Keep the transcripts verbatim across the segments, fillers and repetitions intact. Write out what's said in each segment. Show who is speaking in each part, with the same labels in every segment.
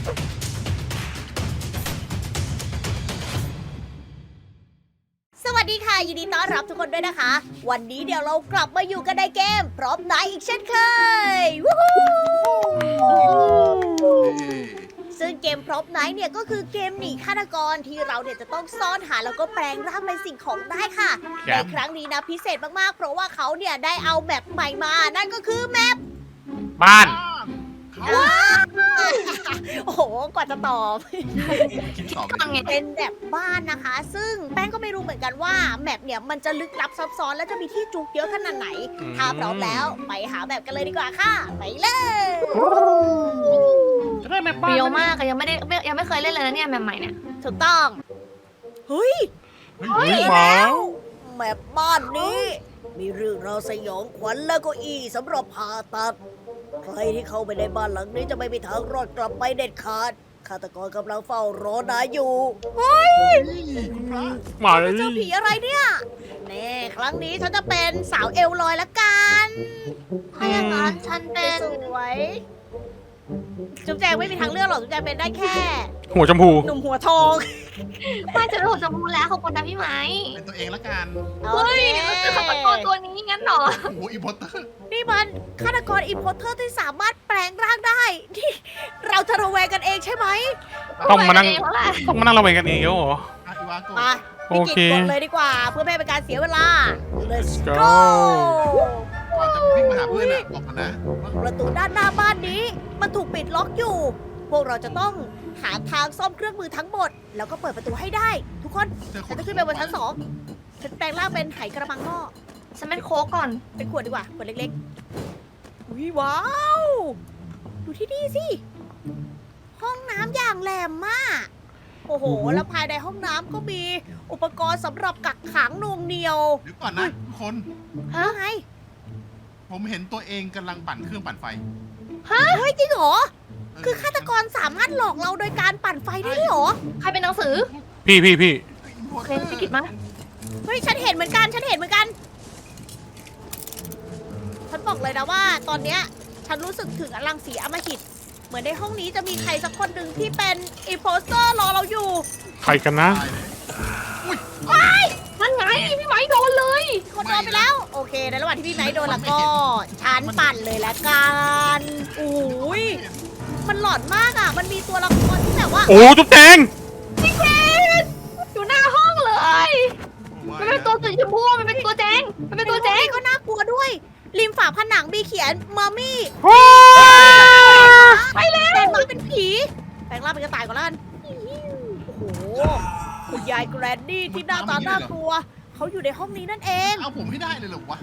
Speaker 1: สวัสดีค่ะยินดีต้อนรับทุกคนด้วยนะคะ วันนี้เดี๋ยวเรากลับมาอยู่กันในเกมพร้อมนายอีกเช่นเคยวู้ฮู้ซึ่งเกมพร้อมไนท์เนี่ยก็คือเกมหนีฆาตกรที่เราเนี่ยจะต้องซ่อนหาแล้วก็แปลงร่างเป็นสิ่งของได้ค่ะในครั้งนี้นะพิเศษมากๆเพราะว่าเขาเนี่ยได้เอาแมปใหม่มานั่นก็คือแมป
Speaker 2: บ้าน
Speaker 1: โอ้โหกว่าจะตอบ
Speaker 3: คิดตอบ
Speaker 1: ฟังไงเป็นแบบบ้านนะคะ ซึ่งแป้งก็ไม่รู้เหมือนกันว่าแมปเนี่ยมันจะลึกลับซับซ้อนและจะมีที่จุกเยอะขนาดไหน ถ้าพร้อมแล้วไปหาแบบกันเลยดีกว่าค่ะไปเลย
Speaker 2: จะได้แม่
Speaker 4: เป
Speaker 2: บ้าน
Speaker 4: รี้ยวมากอะยังไม่ได้ไม่ยังไม่เคยเล่นเลยนะเนี่ยแบบใหม่เนี่ย
Speaker 1: ถูกต้องเฮ้ย
Speaker 2: เฮ้ยหมา
Speaker 1: แมปบ้านนี้ มีเรื่องราวสยองขวัญและก็อีสำหรับผ่าตัด ใครที่เข้าไปในบ้านหลังนี้จะไม่มีทางรอดกลับไปเด็ดขาดฆาตกรกำลังเฝ้ารอนายอยู่เฮ้ย
Speaker 3: คุณพระ
Speaker 2: หมาเลย
Speaker 1: เจ้าผีอะไรเนี่ยแน่ครั้งนี้ฉันจะเป็นสาวเอลลอยละกัน
Speaker 4: ถ้าอย่างนั้นฉันเป็น
Speaker 1: สวยจุ๊บแจงไม่มีทางเลือกหรอกจุ๊บแจงเป็นได้แค่
Speaker 2: หัวชมพู
Speaker 1: หนุ่มหัวทอง
Speaker 4: ไม่จะรู้จะพูดแล้วขอบคุณนะพี่ไหม
Speaker 3: เป็นตัวเองละกัน
Speaker 1: โอ
Speaker 4: เฮ้ย
Speaker 1: เค
Speaker 4: มันคือฆาตกรตัวนี้งั้นเหรอ
Speaker 3: โอ้โหอีโพอตเตอร์
Speaker 1: นี่มันฆาตกรอิมโพเตอร์ที่สามารถแปลงร่างได้นี่เราจะระแวงกันเองใช่ไหม
Speaker 2: ต้องมานั่ง
Speaker 4: เองแล้วแหละ
Speaker 2: ต้องมานั่งระแวงกันเองเหรอ
Speaker 3: อาอีวาโก
Speaker 1: มา
Speaker 2: โอ
Speaker 1: พี่
Speaker 2: เค
Speaker 1: กิจกดเลยดีกว่า เพื่อไม่ให้เป็นการเสียเวลา let's
Speaker 2: go
Speaker 1: go
Speaker 3: ก่อนจะวิ่งมาหาเพื่อนอะบอกกันนะว่า
Speaker 1: ประตูด้านหน้าบ้านนี้ มันถูกปิดล็อกอยู่ พวกเราจะต้องหาทางซ่อมเครื่องมือทั้งหมด แล้วก็เปิดประตูให้ได้ ทุกคน
Speaker 3: เจอค
Speaker 1: ฉัน
Speaker 3: น
Speaker 1: จะขึ้นไปบนชั้นสองฉันแปลงร่างเป็นไหกระมังหม้อ
Speaker 4: ฉันเป็นโค้กก่อน
Speaker 1: เป็นขวดดีกว่าขวดเล็กๆอุ้ยว้าว ดูที่นี่สิ ห้องน้ำอย่างแหลมมาก โอ้โห แล้วภายในห้องน้ำก็มีอุปกรณ์สำหรับกักขังหน่วงเหนียว
Speaker 3: เดี๋ยวก่อนนะทุกคน
Speaker 4: ฮะ
Speaker 1: ว่าไง
Speaker 3: ผมเห็นตัวเองกำลังปั่นเครื่องปั่นไฟ
Speaker 1: เฮ้ยจริงเหรอ
Speaker 3: เ
Speaker 1: คือฆาตกรสามารถหลอกเราโดยการปั่นไฟได้ด้วยเหรอ
Speaker 4: ใครเป็นหนังสือ
Speaker 2: พี่พี่พี่
Speaker 3: อีโพ
Speaker 4: โอ
Speaker 3: อต
Speaker 4: เค
Speaker 3: เตอร์
Speaker 4: พี่กิตมา
Speaker 1: เฮ้ยฉันเห็นเหมือนกัน ฉันเห็นเหมือนกัน ฉันบอกเลยนะว่าตอนเนี้ยฉันรู้สึกถึงอลังสีอำมหิต เหมือนในห้องนี้จะมีใครสักคนหนึ่งที่เป็นอีโพสเตอร์รอเราอยู่
Speaker 2: ใครกันนะ
Speaker 3: ตายเลยอุ้ย
Speaker 4: นั่นไงพี่ไหมโดนเลย
Speaker 1: คนโดนไปแล้ว โอเค ในระหว่างที่พี่ไม้โดนแล้วก็ฉันปั่นเลยละกันโอ้ยมันหลอนมากอ่ะ มันมีตัวละครที่แบบว่า
Speaker 2: โอ้จุ๊บแจง
Speaker 4: พี่เคนอยู่หน้าห้องเลย มันเป็นตัวสีชมพูมันเป็นตัวแจงมันเป็นตัวแจง
Speaker 1: ก็น่ากลัวด้วย ริมฝาผนังมีเขียนมัมมี่
Speaker 4: ไปเลย
Speaker 1: แปลงร่างเป็นผีแปลงร่างเป็นกระต่ายก่อนละกันโอ้โหคุณยายแกรนดี้ที่หน้าตาน่ากลัว เขาอยู่ในห้องนี้นั่นเอง
Speaker 3: เอาผมให้ได้เลยเหรอวะ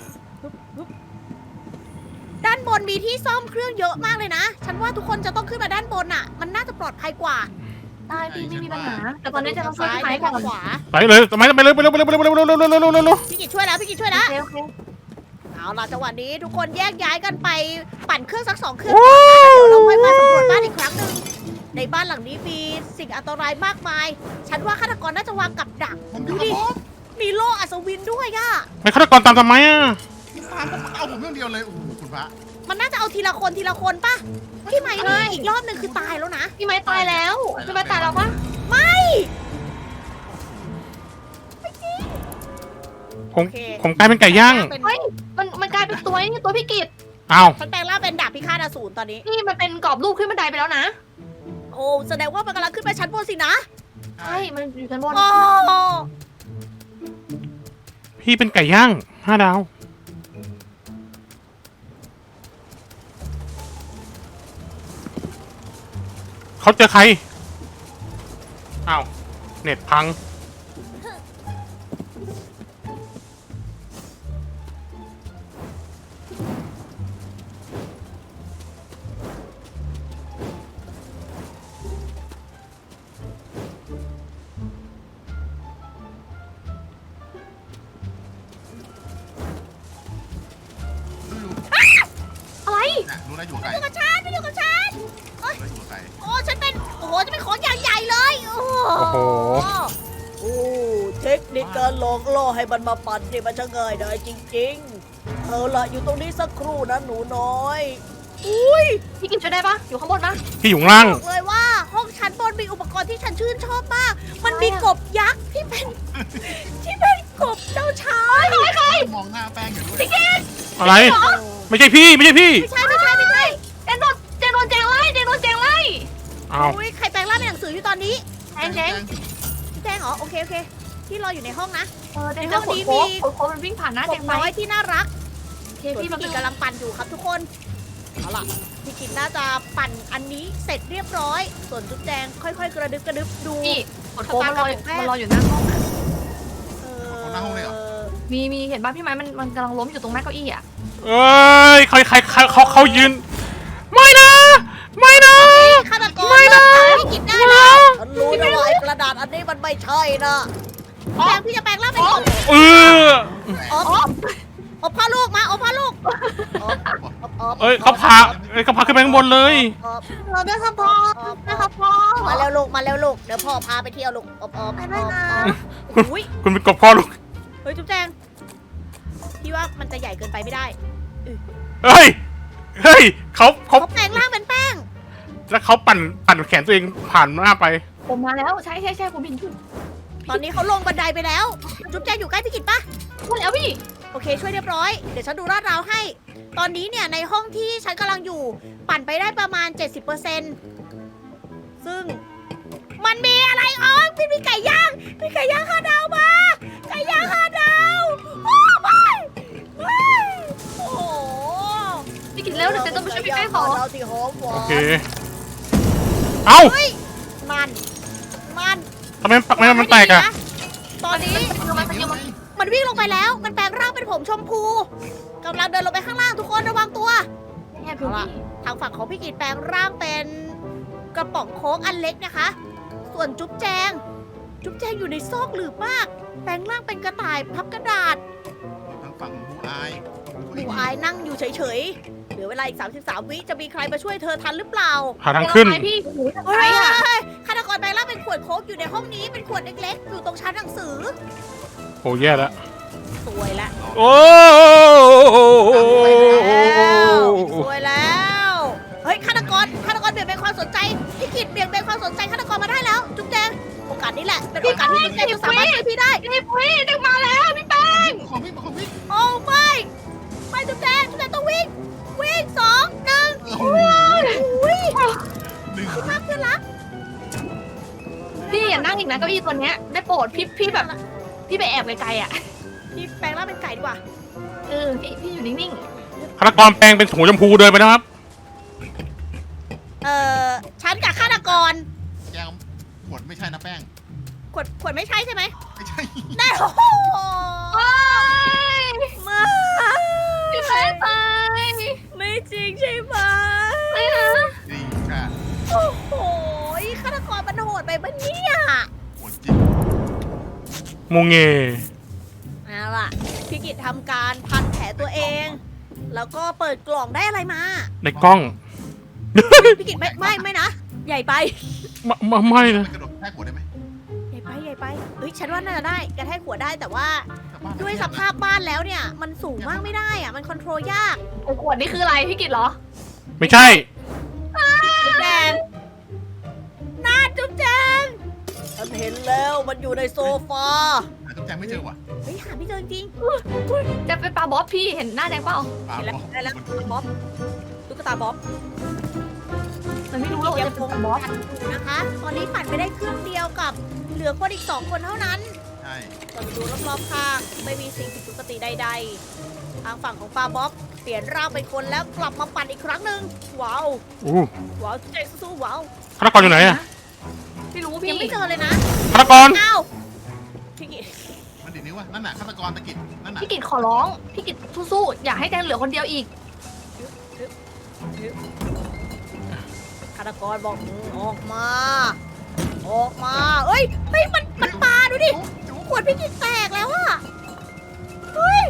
Speaker 1: ด้านบนมีที่ซ่อมเครื่องเยอะมากเลยนะ ฉันว่าทุกคนจะต้องขึ้นมาด้านบนอ่ะ มันน่าจะปลอดภัยกว่า
Speaker 4: ได้พี่ไม่มีปัญหา แต่ตอนนี้จะต้องช่วยพี่ไหม
Speaker 1: ซ้าย
Speaker 4: ก่อน
Speaker 1: ขวา
Speaker 2: ไปเลยทำไมไปเลยไปเลยไปเลยไปเลยไปเลยไปเลยไปเลยไปเลยไปเลย
Speaker 1: พี่กิจช่วยแล้วพี่กิจช่วย
Speaker 4: โอ
Speaker 1: แล้ว
Speaker 4: เคโอเค
Speaker 1: เอาล่ะจังหวะนี้ทุกคนแยกย้ายกันไปปั่นเครื่องสักสองเครื่องก่อนนะเดี๋ยวเราค่อยมาสำรวจบ้านอีกครั้งหนึ่งในบ้านหลังนี้มีสิ่งอันตรายมากมาย ฉันว่าฆาตกรน่าจะวางกับดัก
Speaker 3: ผมอ
Speaker 1: ดู
Speaker 3: ยู่กับ
Speaker 1: ดิ
Speaker 3: ผม
Speaker 1: มีโล่อัศวินด้วยอะ
Speaker 2: ไม่ฆาตกรตามทำไมอ่ะ
Speaker 3: ตามผมเอาผมอย่างเดียวเลยโอ้โหคุณพระ
Speaker 1: มันน่าจะเอาทีละคนทีละคนป่ะพี่ไหมนี่อีกรอบหนึ่งคือตายแล้วนะ
Speaker 4: พี่ไหมตายแล้วพี่ไหมตายแล้วปะ
Speaker 1: ไม่
Speaker 2: ผมผมกลายเป็นไก่ย่าง
Speaker 1: เป็น
Speaker 4: เฮ้ยมันมันกลายเป็นตัวนี่ตัวพี่กิต
Speaker 2: อ้าว
Speaker 1: ฉันแปลงร่างเป็นดาบพิฆาตอสูรตอนนี้
Speaker 4: นี่มันเป็นกรอบรูปขึ้นบันไดไปแล้วนะ
Speaker 1: โอ้แสดงว่ามันกำลังขึ้นไปชั้นบนสินะ
Speaker 4: ใช่มันอยู่ชั้นบน
Speaker 1: โอ้
Speaker 2: พี่เป็นไก่ย่างห้าดาวเขาเจอใครอ้าวเน็ตพัง
Speaker 4: อะไร
Speaker 3: นะรู้นะอยู่ไกล
Speaker 1: อยู่กับฉันไม่อยู่กับฉัน
Speaker 3: รู้นะอยู่ไกล
Speaker 1: โอ้ฉันเป็นโอ้โหจะเป็นของอย่างใหญ่เลยโอ้โห
Speaker 2: โอ้โห
Speaker 1: โอ้เทคนิคการหลอกล่อให้มันมาปั่นนี่มันช่างง่ายได้จริงๆเอาล่ะอยู่ตรงนี้สักครู่นะหนูน้อยอุ้ย
Speaker 4: พี่กิตช่วยได้ปะอยู่ข้างบนปะ
Speaker 2: พี่อยู่ข้างล่าง
Speaker 1: บอกเลยว่ามีกบยักษ์ที่เป็นที่เป็นกบเจ้าชาย
Speaker 3: มองหน้าแป้งอยู่ด้วย
Speaker 4: พี่กิต
Speaker 2: อะไร ไม่ใช่พี่ไม่ใช่พี่
Speaker 1: ไม่ใช่ไม่ใช่ไม่ใช่
Speaker 4: แจงโดนแจงโดนแจงไล่แจงโดนแจงไล่
Speaker 2: เอา
Speaker 1: อุ้ยใครแปลงร่างเป็นหนังสืออยู่ตอนนี้
Speaker 4: แจงแจง
Speaker 1: แจ้งเหรอโอเคโอเคที่รออยู่ในห้องนะ
Speaker 4: เออแจงจะขนโค้กขนโค้กมันวิ่งผ่านหน้าก แจ
Speaker 1: บ
Speaker 4: งไป
Speaker 1: น้อยที่น่ารัก
Speaker 4: โอเค
Speaker 1: ส่วน
Speaker 4: พี่
Speaker 1: พี่
Speaker 4: มา
Speaker 1: กิจกำลังปั่นอยู่ครับทุกคนเอาล่ะพี่กิจน่าจะปั่นอันนี้เสร็จเรียบร้อย ส่วนจุ๊บแจงค่อยๆ กระดึบกระดึบดู
Speaker 4: พี่ขนโค้กมันรอมันรออยู่หน้าห้องอะ
Speaker 1: เอ
Speaker 3: หน้าห้องเลยเหรอ
Speaker 1: อ
Speaker 4: มีมีเห็นป่ะพี่ไม้มันมันกำลังล้มอยู่ตรงหน้าเก้าอี้อ่ะ
Speaker 2: เอ้ยใครใครใครเขาเขายืน ไม่นะ ไม่นะ
Speaker 1: ฆาตกร
Speaker 2: ไม่นะ
Speaker 1: เลิกตามพี่กิจได้แล้วฉันรู้นะว่าไอ้กระดาษอันนี้มันไม่ใช่นะแปลงพี่จะแปลงร่างเป็นกบ
Speaker 2: เออ
Speaker 1: อ๋ออบพ่อลูกมาอบพ่อลูกอบอบอบ
Speaker 2: เอ้ยเขาพาเอ้ยเขาพาขึ้นไปข้างบนเลย
Speaker 1: อบ
Speaker 4: เราได้ครับพ่อได้ครับพ่อ
Speaker 1: มาเร็วลูกมาเร็วลูกเดี๋ยวพ่อพาไปเที่ยวลูกอบอบ
Speaker 4: ไปด้วยนะ
Speaker 1: อุ้ย
Speaker 2: คุณเป็นกบพ่อลูก
Speaker 1: เฮ้ยจุ๊บแจงพี่ว่ามันจะใหญ่เกินไปไม่ได้
Speaker 2: เฮ้ย เฮ้ยเขาเขา
Speaker 1: เขาแปลงร่างเป็นแป้ง
Speaker 2: แล้วเขาปั่นปั่นแขนตัวเองผ่านหน้าไป
Speaker 4: ผมมาแล้วใช่ใช่ใช่ผมเห็นคุณ
Speaker 1: ตอนนี้เขาลงบันไดไปแล้ว จุ๊บแจงอยู่ใกล้พี่กิจปะ
Speaker 4: มาแล้วพี่
Speaker 1: โอเคช่วยเรียบร้อย เดี๋ยวฉันดูลาดราวให้ ตอนนี้เนี่ยในห้องที่ฉันกำลังอยู่ ปั่นไปได้ประมาณ เจ็ดสิบเปอร์เซ็นต์ ซึ่งมันมีอะไรอ๋อพี่มีไก่ย่างมีไก่ย่างห้าดาวมา ไก่ย่างห้าดาวโอ้ไม่ไม่โอ้โห
Speaker 4: พี่กินแล้วเดี๋ยวจะต้องไปช่วยพี่แป้งขอ
Speaker 1: เราที่หอมหวา
Speaker 2: โอน เค เอ้า
Speaker 1: เฮ้ยมันมัน
Speaker 2: ทำไมทำไมมันแตกอะ
Speaker 1: ตอนนี้
Speaker 4: มันจะมัน
Speaker 1: มันวิ่งลงไปแล้ว มันแปลงร่างเป็นผมชมพูกำลังเดินลงไปข้างล่างทุกคนระวังตัว
Speaker 4: แอบอยู่พี่
Speaker 1: ทางฝั่งของพี่กีดแปลงร่างเป็นกระป๋องโค้กอันเล็กนะคะ ส่วนจุ๊บแจง จุ๊บแจงอยู่ในซอกหลืบมาก แปลงร่างเป็นกระต่ายพับกระดาษ
Speaker 3: ทางฝั่งบูอาย
Speaker 1: ดูอายนั่งอยู่เฉยๆ เหลือเวลาอีก สามสิบสาม วิจะมีใครมาช่วยเธอทันหรือเปล่า
Speaker 2: หาทางขึ้น
Speaker 4: ไปพี่หูทำ
Speaker 1: เฮ้
Speaker 4: ไม
Speaker 1: ย
Speaker 4: อ่ะ
Speaker 1: ฆาตกรแปลงร่างเป็นขวดโค้กอยู่ในห้องนี้ เป็นขวดเล็กๆ อยู่ตรงชั้นหนังสือ
Speaker 2: โอ้แย่แล้ว
Speaker 1: สวยแล้ว
Speaker 2: โอ้
Speaker 1: สวยแล้ว เฮ้ยฆาตกรฆาตกรเบี่ยงเบนความสนใจ พี่กิดเบี่ยงเบนความสนใจฆาตกรมาได้แล้ว จุ๊บแจง โอกาสนี้แหละ เป็นโอกาสที่จุ๊บแจงจะสามารถช่วยพี่ได้
Speaker 4: พี่พี่ดึงมาแล้วพี่แป้ง
Speaker 3: ของพี่ของพี่
Speaker 1: โอ้ไม่ไม่จุ๊บแจงจุ๊บแจงต้องวิ่ง วิ่งสองหนึ่ง
Speaker 3: โอ้โห
Speaker 1: อุ้ย
Speaker 3: หนึ่ง
Speaker 1: พี่รักพี่รัก
Speaker 4: พี่อย่านั่งอีกนะเก้าอี้ตัวเนี้ยได้โปรดพี่พี่แบบ พี่ไปแอบไกลๆอ่ะ
Speaker 1: พี่แปลงร่างเป็นไก่ดีกว่า
Speaker 4: เออพี่พี่อยู่นิ่ง
Speaker 2: ฆาตกรแปลงเป็นถุงชมพูเดินไปนะครับ
Speaker 1: เอ่อ ฉันกับฆาตกร
Speaker 3: แก้วขวดไม่ใช่นะแป้ง
Speaker 1: ขวดขวดไม่ใช่ใช่ไหม
Speaker 3: ไม่ใช่
Speaker 1: ได้โอ้โห
Speaker 4: ๆโอ้ย
Speaker 1: มา
Speaker 4: พี่แป้งตาย
Speaker 1: ไม่จริงใช่ไหม
Speaker 4: ไม่นะ
Speaker 3: นี่ค่ะ
Speaker 1: โอ้โหฆาตกรมันโหดไปปะเนี่ย
Speaker 3: ขวดจริง
Speaker 2: มงเง
Speaker 1: เอาล่ะ พี่กิจทำการพันแผลตัวเอง แล้วก็เปิดกล่องได้อะไรมา
Speaker 2: ในกล้อง
Speaker 1: พี่กิจไม่ไม่ไม่นะ ใหญ่ไป
Speaker 2: ไม่ไม่ไม่นะ
Speaker 3: ไปกระโดดแค่ขวดได้ไหม
Speaker 1: ใหญ่ไปใหญ่ไปเฮ้ยฉันว่าน่าจะได้กระแทกหัวได้แต่ว่า
Speaker 3: กลับบ้าน
Speaker 1: ด้วยสภาพบ้านแล้วเนี่ย มันสูงมากไม่ได้อะมันคอนโทรลยาก
Speaker 4: ไอ้ขวดนี่คืออะไรพี่กิตเหรอ
Speaker 2: ไม่ใช่
Speaker 1: จุ๊บแจงน่าจุ๊บแจงฉันเห็นแล้วมันอยู่ในโซฟา
Speaker 3: หาตุ๊กแจงไม่เจอว่ะ
Speaker 1: เฮ้ยหาไม่เจอจริง
Speaker 4: จะเป็นปลาบ๊อบพี่เห็นหน้าแดงเปล่า
Speaker 3: ปา
Speaker 1: เห็นแล้ว
Speaker 3: บอก
Speaker 1: ได้แล้วบ๊อบตุ๊กตาบ๊อบ
Speaker 4: มันไม่รู้หรอกว่า
Speaker 1: ยั
Speaker 4: จะ
Speaker 1: ง
Speaker 4: เป็น
Speaker 1: คง
Speaker 4: ปลาบ๊อบ
Speaker 1: ปั่นอยู่นะคะ ตอนนี้ปั่นไปได้ครึ่งเดียวกับเหลือคนอีกสองคนเท่านั้น
Speaker 3: ใช่
Speaker 1: เราดูรอบๆข้างไม่มีสิ่งผิดปกติใดๆ ทางฝั่งของปลาบ๊อบเปลี่ยนร่างเป็นคนแล้วกลับมาปั่นอีกครั้งหนึ่งว้าว
Speaker 2: อู้
Speaker 1: ว้าวใจสู้ๆว้าว
Speaker 2: ฆาตกรอยู่ไหนอะ
Speaker 4: ไม่รู้
Speaker 1: ยั
Speaker 4: พี่
Speaker 1: งไม่เจอเลยนะ
Speaker 2: ฆาตกร
Speaker 1: อ้าวพี่กิต
Speaker 3: มันดีนิ้วว่ะนั่นน่ะฆาตกรตะกิดนั่นน่ะ
Speaker 4: พี่กิตขอร้องพี่กิตสู้ๆอย่าให้แดงเหลือคนเดียวอีก
Speaker 1: ฆาตกรบอกอืมออกมา ออกมาเอ้ยเฮ้ยมันมันปลาดูดิ
Speaker 3: จุ๊บ
Speaker 1: ขวดพี่กิตแตกแล้วอะเฮ้ย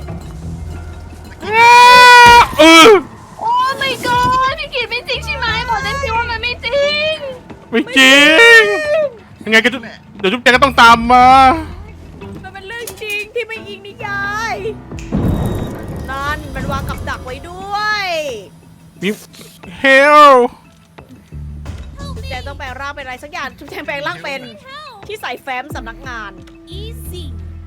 Speaker 2: เออ
Speaker 4: โอ้ my god พี่กิตไม่จริงใช่ไหมบอกได้สิว่ามันไม่จริง
Speaker 2: ไม่จริง ยังไงก็จะ
Speaker 3: แหละ
Speaker 2: เดี๋ยวจุ๊บแจงก็ต้องตามมา
Speaker 1: มันเป็นเรื่องจริงที่ไม่อิงนิยาย นั่นมันวางกับดักไว้ด้วย
Speaker 2: มีเฮล
Speaker 1: จุ๊บแจงต้องแปลงร่างเป็นอะไรสักอย่างจุ๊บแจงแปลงร่างเป็นที่ใส่แฟ้มสำนักงาน easy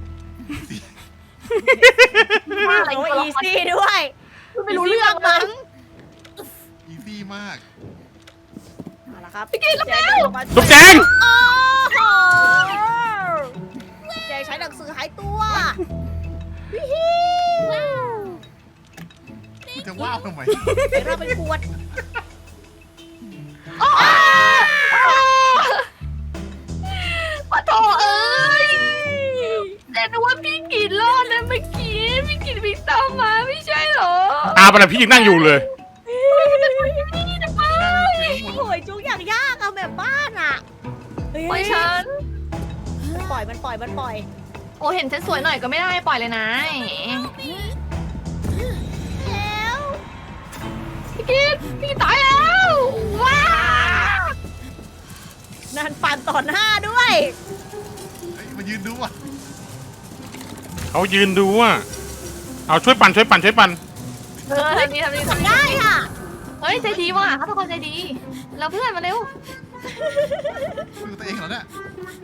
Speaker 4: อะไร
Speaker 1: โอ้
Speaker 4: กัน
Speaker 1: easy ด้วย
Speaker 4: ไม่รู้เรื่อง
Speaker 1: มั้
Speaker 4: มั้
Speaker 1: ง
Speaker 4: ง
Speaker 3: อีซี่มาก
Speaker 1: เอาละครับ
Speaker 4: พี่กินแล้ว
Speaker 1: เดินมา
Speaker 2: ลูกแจง
Speaker 1: โอ้โหเจใช้หนังสือหายตัววิฮิว
Speaker 3: คุณจะว้าวทำไม
Speaker 1: เดี๋ยวเราเป็นขวด
Speaker 4: ปะโถเอ้ยแต่นึกว่าพี่กินรอดนะเมื่อกี้พี่กินวิ่งตามมาไม่ใช่เหรอ
Speaker 2: ตาไปแล้วพี่ยังนั่งอยู่เลย
Speaker 4: นี่นะ
Speaker 3: นั่งอยู่ข้างบน
Speaker 1: โอ้ยจุกอย่างยากอะแบบบ้านอะเฮ้ย
Speaker 4: ปล่อยฉัน
Speaker 1: ปล่อยมันปล่อยมันปล่อย
Speaker 4: โอ้เห็นฉันสวยหน่อยก็ไม่ได้ปล่อยเลยนะ
Speaker 1: แล้ว
Speaker 4: พี่กินพี่กินตายแล้วว้า
Speaker 1: นันปั่นต่อหน้าด้วย
Speaker 3: เฮ้ยมายืนดูอ่ะ
Speaker 2: เขายืนดูอ่ะเอาช่วยปั่นช่วยปั่นช่วยปั่น
Speaker 4: เออทำนี่ทำนี่ทำนี่
Speaker 1: ได้อะ
Speaker 4: เฮ้ยใจดีว่ะเขาทุกคนใจดีแล้วเพื่อนมาเร็ว
Speaker 3: ดูตัวเองเหรอเนี่ย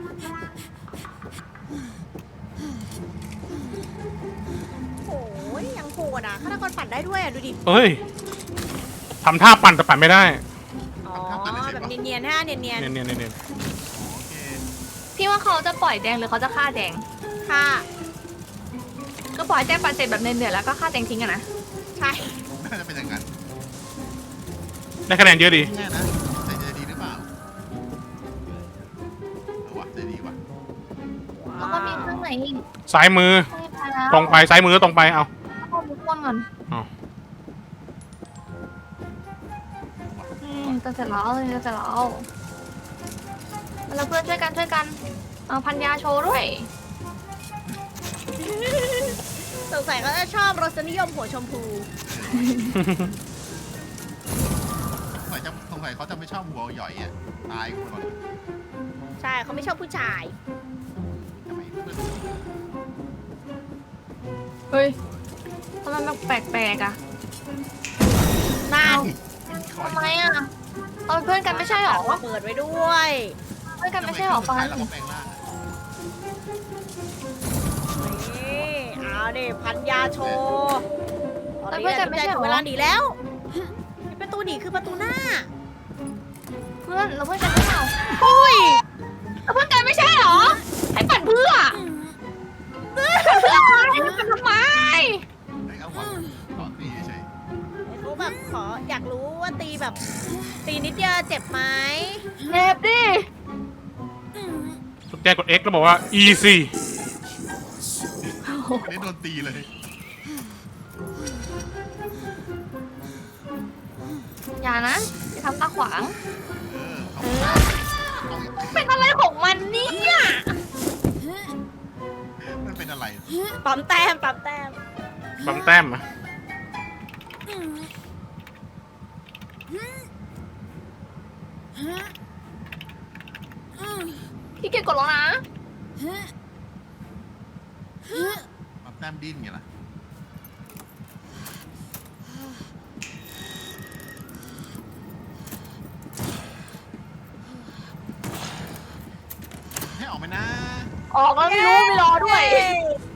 Speaker 1: โอ้ยยังโหดอะฆาตกรปั่นได้ด้วยอะดูดิ
Speaker 2: เอ้ยทำท่าปั่นแต่ปั่นไม่ได้
Speaker 1: อ๋อแบบเนียนๆฮะเนียน
Speaker 2: เนียนเนียนเนียนเนียน
Speaker 3: โอเค
Speaker 4: พี่ว่าเขาจะปล่อยแดงหรือเขาจะฆ่าแดง
Speaker 1: ๆค่ะ
Speaker 4: ก็ปล่อยแดงปันเสร็จแบบเนื่อยๆแล้วก็ฆ่าแดงทิ้งอะนะ
Speaker 1: ใช่
Speaker 3: น่าจะเป็นอย่างนั้น
Speaker 2: ได้คะแนนเยอะดี
Speaker 3: แน่นะใจจะดีหรือเปล่าเอาวะใจดีวะ
Speaker 4: แล้วก็มีข้างไหนอีก
Speaker 2: ซ้ายมือ
Speaker 4: ไม่ไปแล้ว
Speaker 2: ตรงไปซ้ายมือตรงไปเอา
Speaker 4: เอามุกวนก่อน
Speaker 2: เอา
Speaker 4: อืมจะเสร็จแล้วจะเสร็จแล้วแล้วเพื่อนช่วยกันช่วยกันเอาพันยาโชว์ด้วย
Speaker 1: สงสัยเขาจะชอบรสนิยมหัวชมพู
Speaker 3: สงสัยจะสงสัยเขาจะไม่ชอบหัวหย่อยอ่ะตายคนก่อน
Speaker 1: ใช่เขาไม่ชอบผู้ชาย
Speaker 3: ทำไมเพื่อน
Speaker 4: เฮ้ยทำไมมันแปลกๆอ่ะ
Speaker 1: นั่น
Speaker 3: คอย
Speaker 4: ทำไมอ่ะเราเป็นเพื่อนกันไม่ใช่หรอ
Speaker 1: เปิดไว้ด้วย
Speaker 4: เพื่อนกันไม่ใช่หรอ
Speaker 3: ทำ
Speaker 4: ฟั
Speaker 3: ไม
Speaker 4: น
Speaker 3: เราก็แปลงร่างอะ
Speaker 1: นี่เอาดิพันยาโชว์ตอนนี้เนี่ยถึงเวลาหนีแล้วประตูหนีคือประตูหน้า
Speaker 4: เพื่อนเราเพื่อนกันไม่ใช่หรอ
Speaker 1: อุ้ย
Speaker 4: เราเพื่อนกันไม่ใช่หรอให้ปั่นเพื่อเพื่อนเพื่อให้ปั่นทำไม
Speaker 3: เฮ้ยเอาหัวต่อตีเฉย
Speaker 1: เขาแบบขออยากรู้ว่าตีแบบ ตีนิดเดียวเจ็บไหม
Speaker 4: เล็บดิ
Speaker 2: ลูกแจงกด X แล้วบอกว่า easy
Speaker 3: ๆนี่โดนตีเลย
Speaker 4: อย่านะอย่าทำตาขวาง
Speaker 3: เออเอา
Speaker 4: เออ
Speaker 3: เอาอีก
Speaker 4: เป็นอะไรของมันเนี่ย
Speaker 3: มันเป็นอะไร
Speaker 1: ปั๊มแต้มปั๊มแต้ม
Speaker 2: ปั๊มแต้มอะ
Speaker 4: พี่เกียจกดแล้วนะ
Speaker 3: ปั๊มแต้มดิ้นไงล่ะให้ออกไหมนะ
Speaker 4: ออกแล้วไม่รู้ไม่รอด้วย
Speaker 1: เย้